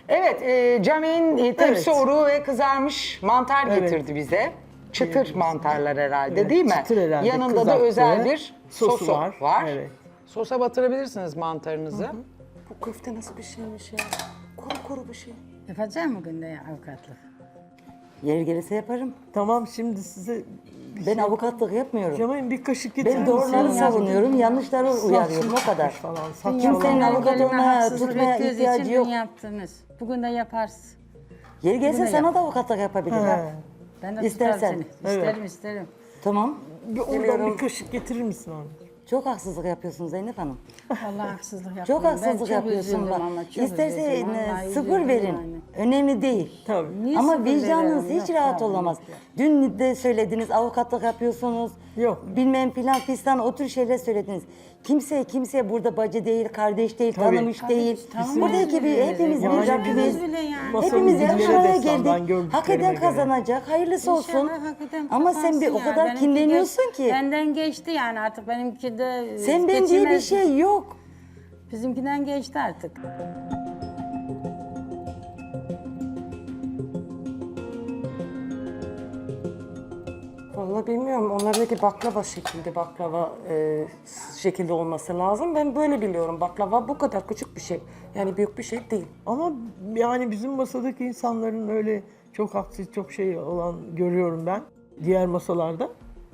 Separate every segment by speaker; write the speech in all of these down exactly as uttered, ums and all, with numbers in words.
Speaker 1: Evet, e, Cem'in e, tepsi
Speaker 2: Evet.
Speaker 1: oruğu ve kızarmış mantar
Speaker 2: Evet.
Speaker 1: getirdi bize. Çıtır mantarlar herhalde
Speaker 2: Evet,
Speaker 1: değil mi?
Speaker 2: çıtır herhalde,
Speaker 1: Yanında da
Speaker 2: kızarttı.
Speaker 1: özel bir
Speaker 2: Sosu
Speaker 1: sosu var.
Speaker 2: var, evet.
Speaker 1: Sosa batırabilirsiniz mantarınızı.
Speaker 3: Bu köfte nasıl bir şeymiş ya? Kuru kuru bir şey.
Speaker 4: Yapacağım mı günde avukatlık?
Speaker 5: Yer gelirse yaparım.
Speaker 2: Tamam, şimdi size
Speaker 5: Ben avukatlık yapmıyorum.
Speaker 2: Cemal'in bir kaşık getirir
Speaker 5: Ben doğruları
Speaker 2: misin?
Speaker 5: savunuyorum, yanlışları uyarıyorum o kadar.
Speaker 2: Falan.
Speaker 4: Dün
Speaker 2: Saçma.
Speaker 5: Kimsenin
Speaker 4: yaptığınız
Speaker 5: avukat
Speaker 4: gelime
Speaker 5: olmaya,
Speaker 4: haksızlık
Speaker 5: tutmaya
Speaker 4: ettiğiniz
Speaker 5: ihtiyacı
Speaker 4: için
Speaker 5: yok.
Speaker 4: dün yaptınız. Bugün de yaparsın.
Speaker 5: Yer gelirse
Speaker 4: Bunu
Speaker 5: sana
Speaker 4: yap.
Speaker 5: da avukatlık yapabilirler.
Speaker 2: He.
Speaker 4: Ben de
Speaker 5: İstersen.
Speaker 4: tutarım seni. İsterim isterim.
Speaker 5: Tamam.
Speaker 2: Bir oradan bir kaşık getirir misin onu?
Speaker 5: Çok haksızlık yapıyorsunuz Zeynep Hanım.
Speaker 4: Vallahi haksızlık yapıyorum.
Speaker 5: Çok haksızlık
Speaker 4: ben
Speaker 5: yapıyorsun
Speaker 4: üzüldüm
Speaker 5: bak.
Speaker 4: ama çok
Speaker 5: İsterse
Speaker 4: üzüldüm.
Speaker 5: e,
Speaker 4: Vallahi
Speaker 5: sıfır
Speaker 4: üzüldüm
Speaker 5: verin.
Speaker 4: yani.
Speaker 5: Önemli değil.
Speaker 2: Tabii.
Speaker 4: Niye
Speaker 5: Ama
Speaker 4: sıfır
Speaker 5: vicdanınız
Speaker 4: veriyorum?
Speaker 5: hiç
Speaker 4: Yok,
Speaker 5: rahat
Speaker 4: yok,
Speaker 5: olamaz.
Speaker 4: yok.
Speaker 5: Dün de söylediniz avukatlık yapıyorsunuz.
Speaker 2: Yok.
Speaker 5: Bilmem filan fistan o tür şeyler söylediniz. Kimse kimseye burada bacı değil, kardeş değil,
Speaker 2: Tabii.
Speaker 5: tanımış değil.
Speaker 4: Tanımıyoruz
Speaker 5: Buradaki bir
Speaker 4: birbirimizi.
Speaker 5: hepimiz
Speaker 2: Yani
Speaker 5: bir Rabbimiz.
Speaker 4: Hepimiz bile yani.
Speaker 2: Masanın
Speaker 5: Hepimiz
Speaker 2: dillere
Speaker 5: bir araya
Speaker 2: destan, ben
Speaker 5: geldik.
Speaker 2: gördüklerime
Speaker 5: Hak eden
Speaker 2: göre.
Speaker 5: kazanacak. Hayırlısı olsun.
Speaker 4: İnşallah hak eden
Speaker 5: Ama sen bir o
Speaker 4: kazansın
Speaker 5: kadar
Speaker 4: yani.
Speaker 5: kinleniyorsun
Speaker 4: Benimki
Speaker 5: ki.
Speaker 4: ge- Benden geçti yani artık benimki de
Speaker 5: Sen ben diye bir
Speaker 4: geçilmez.
Speaker 5: şey yok.
Speaker 4: Bizimkinden geçti artık.
Speaker 3: Vallahi bilmiyorum. Onlardaki baklava şekilde baklava e, şekilde olması lazım. Ben böyle biliyorum. Baklava bu kadar küçük bir şey. Yani büyük bir şey değil.
Speaker 2: Ama yani bizim masadaki insanların öyle çok haksız, çok şey olan görüyorum ben. Diğer masalarda.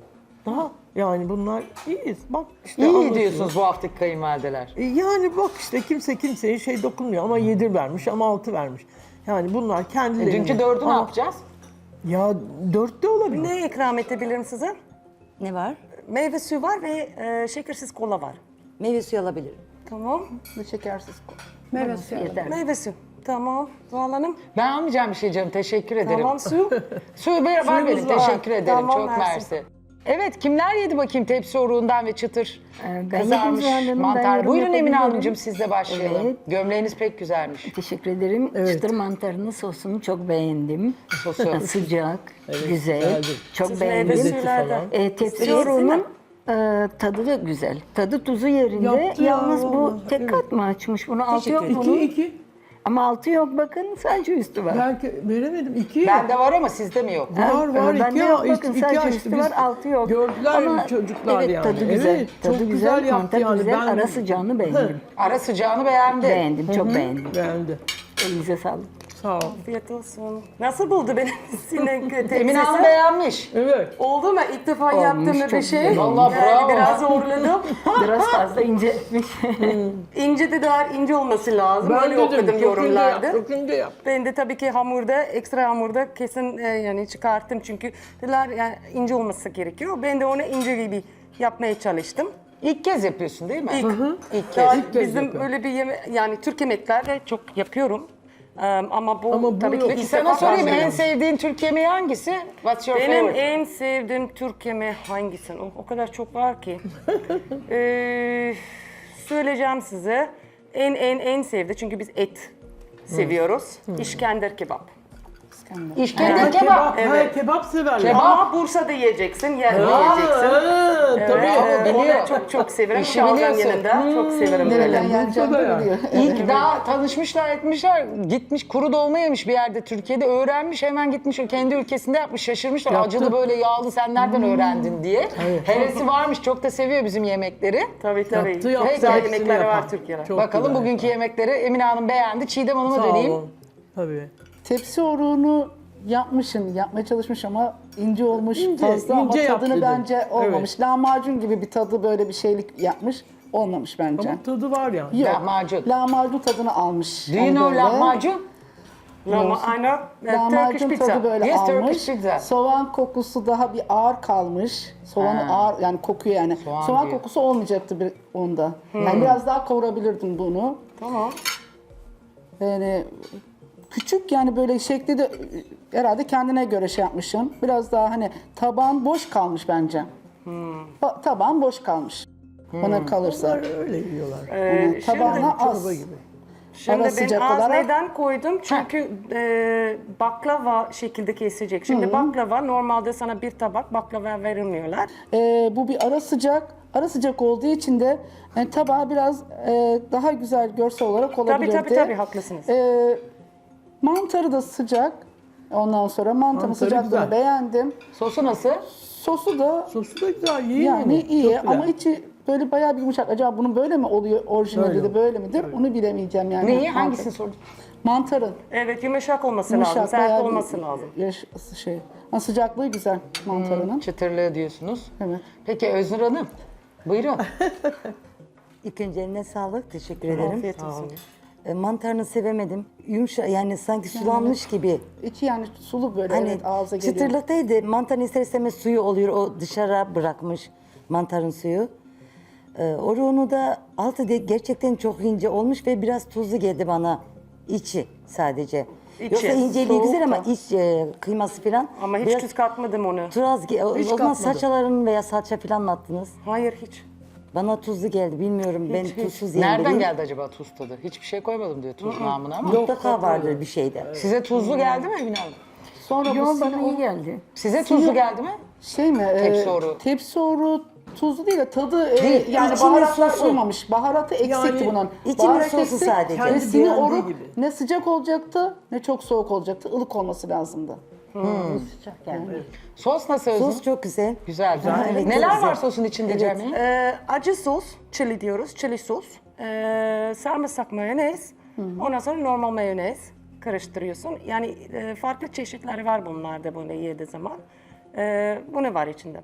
Speaker 2: Daha yani bunlar iyiyiz. Bak işte
Speaker 1: İyi
Speaker 2: anlatıyor.
Speaker 1: diyorsunuz bu haftaki kayınvalideler.
Speaker 2: E Yani bak işte kimse kimseye şey dokunmuyor ama yedi vermiş ama altı vermiş. Yani bunlar kendileri.
Speaker 1: E, dünkü dördü ne yapacağız?
Speaker 2: Ya dört de olabilir.
Speaker 3: Ne ikram edebilirim size?
Speaker 5: Ne var?
Speaker 3: Meyve suyu var ve e, şekersiz kola var.
Speaker 5: Meyve suyu alabilirim.
Speaker 3: Tamam.
Speaker 4: Şekersiz meyve suyu.
Speaker 5: Yeter.
Speaker 3: Meyve suyu. Tamam. Zuhal Hanım.
Speaker 1: Ben almayacağım bir şey canım, teşekkür ederim.
Speaker 3: Tamam su.
Speaker 1: Suyu ver, var
Speaker 3: Suyumuz
Speaker 1: benim,
Speaker 3: var.
Speaker 1: teşekkür ederim.
Speaker 3: Tamam,
Speaker 1: Çok
Speaker 3: mersi.
Speaker 1: mersi. Evet, kimler yedi bakayım tepsi oruğundan ve çıtır
Speaker 6: ben
Speaker 1: kızarmış
Speaker 6: yedim Zuhal Hanım, ben
Speaker 1: mantar?
Speaker 6: yorum
Speaker 1: Buyurun Emine
Speaker 6: yapabilirim.
Speaker 1: Hanımcığım, sizle başlayalım.
Speaker 6: Evet.
Speaker 1: Gömleğiniz pek güzelmiş.
Speaker 6: Teşekkür ederim.
Speaker 2: Evet.
Speaker 6: Çıtır mantarının sosunu çok beğendim.
Speaker 1: Sosu.
Speaker 6: Sıcak, güzel.
Speaker 2: güzeldir.
Speaker 6: Çok
Speaker 3: Siz meyve
Speaker 6: beğendim.
Speaker 3: suyulardan.
Speaker 6: E, tepsi
Speaker 3: İstediğiniz
Speaker 6: yoruğunun e, tadı da güzel. Tadı tuzu yerinde.
Speaker 2: Yaptı ya,
Speaker 6: Yalnız bu
Speaker 2: vallahi,
Speaker 6: tek
Speaker 2: evet.
Speaker 6: kat mı açmış? Bunu altı
Speaker 3: Teşekkür
Speaker 6: yok
Speaker 2: İki,
Speaker 6: bunun.
Speaker 2: iki.
Speaker 6: Ama altı yok bakın sadece üstü var.
Speaker 2: Belki veremedim. İki.
Speaker 1: Bende var ama sizde mi yok?
Speaker 2: Var var
Speaker 6: Ben
Speaker 2: iki,
Speaker 6: de yok,
Speaker 2: ya,
Speaker 6: bakın
Speaker 2: iki
Speaker 6: sadece
Speaker 2: açtı.
Speaker 6: üstü
Speaker 2: Biz
Speaker 6: var, altı yok.
Speaker 2: Gördüler
Speaker 6: Ama
Speaker 2: çocuklar
Speaker 6: evet,
Speaker 2: yani.
Speaker 6: tadı güzel.
Speaker 2: Evet,
Speaker 6: Tadı
Speaker 2: çok
Speaker 6: güzel,
Speaker 2: güzel yaptı
Speaker 6: mantar
Speaker 2: yani.
Speaker 6: güzel,
Speaker 2: Ben-
Speaker 6: ara sıcağını beğendim.
Speaker 1: Ara sıcağını beğendi.
Speaker 6: Beğendim, çok beğendim.
Speaker 2: Beğendi.
Speaker 6: Elinize sağlık.
Speaker 2: Sağ ol.
Speaker 3: Afiyet olsun. Nasıl buldu benim sinek
Speaker 1: Emine Hanım
Speaker 3: tepsisi?
Speaker 1: beğenmiş.
Speaker 2: Evet.
Speaker 3: Oldu mu? İlk defa
Speaker 6: Olmuş,
Speaker 3: yaptığım
Speaker 6: çok
Speaker 3: bir şey.
Speaker 6: güzel
Speaker 1: olmuş. Vallahi
Speaker 3: Yani
Speaker 1: bravo.
Speaker 3: biraz zorladım.
Speaker 6: Biraz fazla ince etmiş.
Speaker 3: İnce de daha ince olması lazım. Öyle
Speaker 2: de
Speaker 3: okudum
Speaker 2: çok
Speaker 3: yorumlarda.
Speaker 2: ince yap, çok ince yap.
Speaker 3: Ben de tabii ki hamurda, ekstra hamurda kesin e, yani çıkarttım çünkü dediler yani ince olması gerekiyor. Ben de onu ince gibi yapmaya çalıştım.
Speaker 1: İlk kez yapıyorsun değil mi?
Speaker 3: İlk,
Speaker 1: İlk
Speaker 3: daha
Speaker 1: kez.
Speaker 2: İlk kez
Speaker 3: bizim
Speaker 2: yapıyorum.
Speaker 3: öyle bir yeme yani Türk yemekleri çok yapıyorum. Ee, ama bu
Speaker 2: Ama bu
Speaker 3: tabii ki
Speaker 2: yok.
Speaker 3: ilk
Speaker 1: Peki sana
Speaker 3: defa
Speaker 1: sorayım,
Speaker 3: ben
Speaker 1: en
Speaker 3: yiyorum.
Speaker 1: sevdiğin Türk yemeği hangisi? What's your
Speaker 3: Benim
Speaker 1: favorite?
Speaker 3: en sevdiğim Türk yemeği hangisi? O, o kadar çok var ki. ee, söyleyeceğim size. En en en sevdi çünkü biz et seviyoruz. İşkender kebap.
Speaker 1: İşkembe
Speaker 2: Ha,
Speaker 1: kebap.
Speaker 2: kebap,
Speaker 3: Evet.
Speaker 2: ha, kebap severler.
Speaker 1: Kebap.
Speaker 3: Ama Bursa'da yiyeceksin, yer
Speaker 2: Ha,
Speaker 3: yiyeceksin.
Speaker 2: ha, tabii.
Speaker 3: Evet,
Speaker 1: Biliyor.
Speaker 3: onu çok çok severim.
Speaker 1: İşi
Speaker 3: Şalgam
Speaker 1: biliyorsun.
Speaker 3: yanında çok severim böyle.
Speaker 2: Bursa'da ya.
Speaker 1: İlk daha tanışmışlar etmişler, gitmiş kuru dolma yemiş bir yerde Türkiye'de, öğrenmiş hemen gitmiş o kendi ülkesinde yapmış, şaşırmışlar.
Speaker 2: Yaptı.
Speaker 1: Acılı böyle yağlı sen nereden öğrendin diye. Hevesi varmış, çok da seviyor bizim yemekleri.
Speaker 3: Tabii tabii.
Speaker 2: Yaptı,
Speaker 3: Çok
Speaker 2: yaptı,
Speaker 3: güzel
Speaker 2: hepsini
Speaker 3: yemekleri
Speaker 2: yapan.
Speaker 3: var Türkiye'de.
Speaker 2: Çok
Speaker 1: Bakalım
Speaker 2: güzel
Speaker 1: bugünkü yemekleri Emine Hanım beğendi. Çiğdem Hanım'a
Speaker 2: Sağ
Speaker 1: döneyim.
Speaker 2: olun. Tabii.
Speaker 7: Tepsi oruğunu yapmışsın, yapmaya çalışmış ama ince olmuş
Speaker 2: İnce,
Speaker 7: fazla ama
Speaker 2: ince yap
Speaker 7: tadını
Speaker 2: dedim.
Speaker 7: bence olmamış. Lahmacun gibi bir tadı böyle bir şeylik yapmış, olmamış bence.
Speaker 2: Ama tadı var yani.
Speaker 7: Yok,
Speaker 1: Lahmacun.
Speaker 7: lahmacun tadını almış.
Speaker 1: Do you
Speaker 7: Yani
Speaker 1: know
Speaker 7: böyle.
Speaker 1: lahmacun?
Speaker 3: Ama aynen Turkish
Speaker 7: Lahmacun
Speaker 3: pizza.
Speaker 7: tadı böyle
Speaker 1: Yes,
Speaker 7: almış.
Speaker 1: Turkish pizza.
Speaker 7: Soğan kokusu daha bir ağır kalmış. Soğanı
Speaker 1: Ha.
Speaker 7: ağır yani kokuyor yani.
Speaker 1: Soğan
Speaker 7: Soğan,
Speaker 1: diyor.
Speaker 7: kokusu olmayacaktı bir onda. Yani biraz daha kavurabilirdim bunu.
Speaker 3: Tamam.
Speaker 7: Yani küçük yani böyle şekli de herhalde kendine göre şey yapmışım. Biraz daha hani taban boş kalmış bence. Ba- Taban boş kalmış. Bana kalırsa.
Speaker 2: Onlar öyle yiyorlar.
Speaker 3: Ee,
Speaker 7: Yani tabağına az.
Speaker 2: Çorba gibi.
Speaker 3: Şimdi
Speaker 7: Ara
Speaker 3: ben
Speaker 7: sıcak
Speaker 3: az
Speaker 7: olarak-
Speaker 3: neden koydum? Çünkü e, baklava şekilde kesecek. Şimdi baklava normalde sana bir tabak baklava verilmiyorlar.
Speaker 7: Ee, bu bir ara sıcak. Ara sıcak olduğu için de yani tabağı biraz e, daha güzel görsel olarak
Speaker 3: Tabii
Speaker 7: olabilirdi.
Speaker 3: tabii tabii haklısınız.
Speaker 7: Ee, Mantarı da sıcak. Ondan sonra mantarın
Speaker 2: Mantarı
Speaker 7: sıcaklığını
Speaker 2: güzel.
Speaker 7: beğendim.
Speaker 1: Sosu nasıl?
Speaker 7: Sosu da
Speaker 2: Sosu da güzel, iyi
Speaker 7: yani
Speaker 2: yani.
Speaker 7: iyi
Speaker 2: Çok
Speaker 7: ama
Speaker 2: güzel.
Speaker 7: içi böyle bayağı bir yumuşak. Acaba bunun böyle mi oluyor? Orijinali
Speaker 2: Böyle.
Speaker 7: de böyle midir? Onu bilemeyeceğim yani.
Speaker 1: Neyi?
Speaker 7: Mantar-
Speaker 1: Hangisini sordun?
Speaker 7: Mantarın.
Speaker 3: Evet, yumuşak olması
Speaker 7: Yumuşak,
Speaker 3: lazım, sert
Speaker 7: bayağı bir
Speaker 3: olması lazım.
Speaker 7: Yaş, şey. Ama sıcaklığı güzel mantarının.
Speaker 1: Çıtırlığı diyorsunuz.
Speaker 7: Evet.
Speaker 1: Peki Öznur Hanım, buyurun.
Speaker 5: İlk önce eline sağlık. Teşekkür ederim.
Speaker 3: Afiyet olsun.
Speaker 5: E, mantarını sevemedim. Yumuşak yani sanki sulanmış gibi.
Speaker 7: İçi yani sulu böyle
Speaker 5: Hani
Speaker 7: evet, ağza geliyor.
Speaker 5: çıtırlıktaydı. Mantarın ister istemez suyu oluyor. O dışarı bırakmış mantarın suyu. Ee, Oruğunu da altı de gerçekten çok ince olmuş ve biraz tuzlu geldi bana. İçi sadece.
Speaker 3: İçi,
Speaker 5: Yoksa inceliği
Speaker 3: soğuk
Speaker 5: güzel ama
Speaker 3: da.
Speaker 5: iç e, kıyması falan.
Speaker 3: Ama hiç
Speaker 5: biraz
Speaker 3: tuz katmadım onu.
Speaker 5: Turaz, ge- o, o zaman
Speaker 2: katmadım.
Speaker 5: salçaların veya salça falan mı attınız?
Speaker 3: Hayır, hiç.
Speaker 5: Bana tuzlu geldi. Bilmiyorum ben
Speaker 3: hiç.
Speaker 5: tuzsuz yiyen
Speaker 1: Nereden
Speaker 5: biriyim.
Speaker 1: geldi acaba tuz tadı? Hiçbir şey koymadım diyor tuz namına ama.
Speaker 5: Mutlaka vardır bir şeyde.
Speaker 1: Size tuzlu geldi mi Emine Hanım?
Speaker 7: Sonra bu
Speaker 6: Yo
Speaker 7: sini-
Speaker 6: bana iyi geldi.
Speaker 1: Size tuzlu geldi mi?
Speaker 7: Şey mi?
Speaker 1: Tepsi
Speaker 7: e,
Speaker 1: oru.
Speaker 7: Tepsi oru tuzlu değil de tadı e,
Speaker 5: Değil,
Speaker 7: yani
Speaker 5: içinin
Speaker 7: baharatlar
Speaker 5: sosu.
Speaker 7: uymamış. Baharatı eksikti
Speaker 2: Yani
Speaker 7: bunun.
Speaker 5: içinin
Speaker 7: Baharat
Speaker 5: sosu
Speaker 7: eksik,
Speaker 5: sadece.
Speaker 7: Ve
Speaker 2: Kendi
Speaker 7: sini
Speaker 2: beğendiği
Speaker 7: oru
Speaker 2: gibi.
Speaker 7: ne sıcak olacaktı ne çok soğuk olacaktı. Ilık olması lazımdı.
Speaker 4: Sıcak yani.
Speaker 1: Sos nasıl Öznur?
Speaker 5: Sos çok güzel.
Speaker 1: Güzel.
Speaker 5: Ha, evet,
Speaker 1: Neler
Speaker 5: çok
Speaker 1: var
Speaker 5: güzel.
Speaker 1: sosun içinde Cemil?
Speaker 3: Ee, acı sos, chili diyoruz, chili sos. Ee, sarımsak mayonez, ondan sonra normal mayonez karıştırıyorsun. Yani e, farklı çeşitleri var bunlarda böyle yediği zaman. Ee, bu ne var içinde?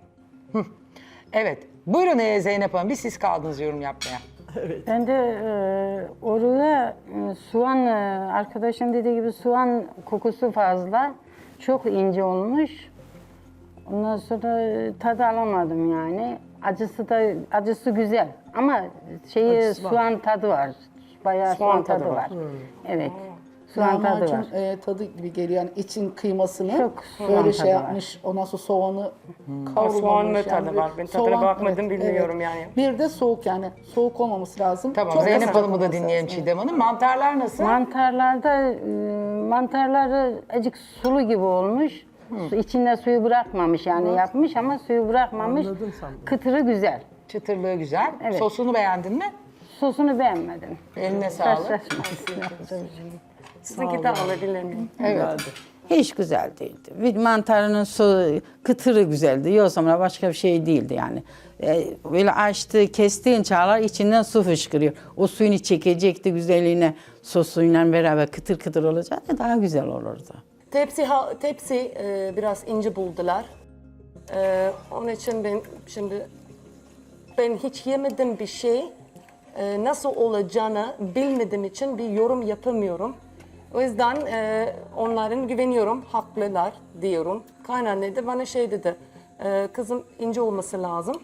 Speaker 1: Evet. Buyurun e, Zeynep Hanım. Bir siz kaldınız yorum yapmaya.
Speaker 4: Ben de e, oruğa e, soğan, e, arkadaşım dediği gibi soğan kokusu fazla. Çok ince olmuş. Ondan sonra e, tadı alamadım yani. Acısı da acısı güzel ama şeyi
Speaker 2: Acısı var.
Speaker 4: soğan tadı var. Bayağı soğan, tadı, var. Evet. Soğan tadı
Speaker 7: Lahmacun
Speaker 4: var.
Speaker 7: e, tadı gibi geliyor. Yani için kıymasını
Speaker 4: Çok soğan
Speaker 7: böyle
Speaker 4: tadı
Speaker 7: şey
Speaker 4: var.
Speaker 7: yapmış. Ondan sonra soğanı kavrulmamış.
Speaker 3: soğan mı tadı
Speaker 7: böyle
Speaker 3: var? Ben tadına
Speaker 7: soğan-
Speaker 3: bakmadım, bilmiyorum yani.
Speaker 7: Bir de soğuk yani. Soğuk olmaması lazım.
Speaker 1: Tamam.
Speaker 7: Çok
Speaker 1: Zeynep
Speaker 7: sıcak
Speaker 1: Hanım'ı da
Speaker 7: olması
Speaker 1: dinleyelim
Speaker 7: lazım.
Speaker 1: Çiğdem Hanım. Mantarlar nasıl?
Speaker 4: Mantarlarda e, mantarları azıcık sulu gibi olmuş. Su- İçinde suyu bırakmamış yani yapmış ama suyu bırakmamış.
Speaker 2: Anladım sandım.
Speaker 4: Kıtırı güzel.
Speaker 1: Çıtırlığı güzel.
Speaker 4: Evet.
Speaker 1: Sosunu beğendin mi?
Speaker 4: Sosunu beğenmedim.
Speaker 1: Eline sağlık.
Speaker 4: Karşılaşmasın.
Speaker 3: Sizinki de alabilir miyim?
Speaker 1: Evet.
Speaker 8: Hiç güzel değildi. Bir mantarının su kıtırı güzeldi. Yoksa başka bir şey değildi yani. Ee, böyle açtı, kestiğin çağlar içinden su fışkırıyor. O suyunu çekecekti güzelliğine sosuyla beraber kıtır kıtır olacaktı daha güzel olurdu.
Speaker 3: Tepsi ha- tepsi e, biraz ince buldular. E, onun için ben şimdi ben hiç yemedim bir şey. E, nasıl olacağını bilmediğim için bir yorum yapamıyorum. O yüzden e, onların güveniyorum, haklılar diyorum. Kaynanne de bana şey dedi, e, kızım ince olması lazım.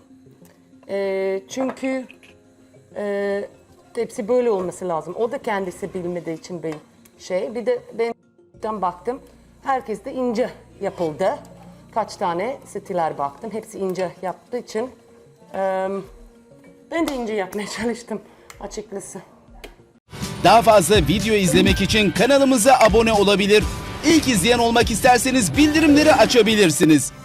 Speaker 3: E, çünkü e, tepsi böyle olması lazım. O da kendisi bilmediği için bir şey. Bir de ben baktım, herkes de ince yapıldı. Kaç tane setiler baktım, hepsi ince yaptığı için e, ben de ince yapmaya çalıştım açıkçası.
Speaker 9: Daha fazla video izlemek için kanalımıza abone olabilir. İlk izleyen olmak isterseniz bildirimleri açabilirsiniz.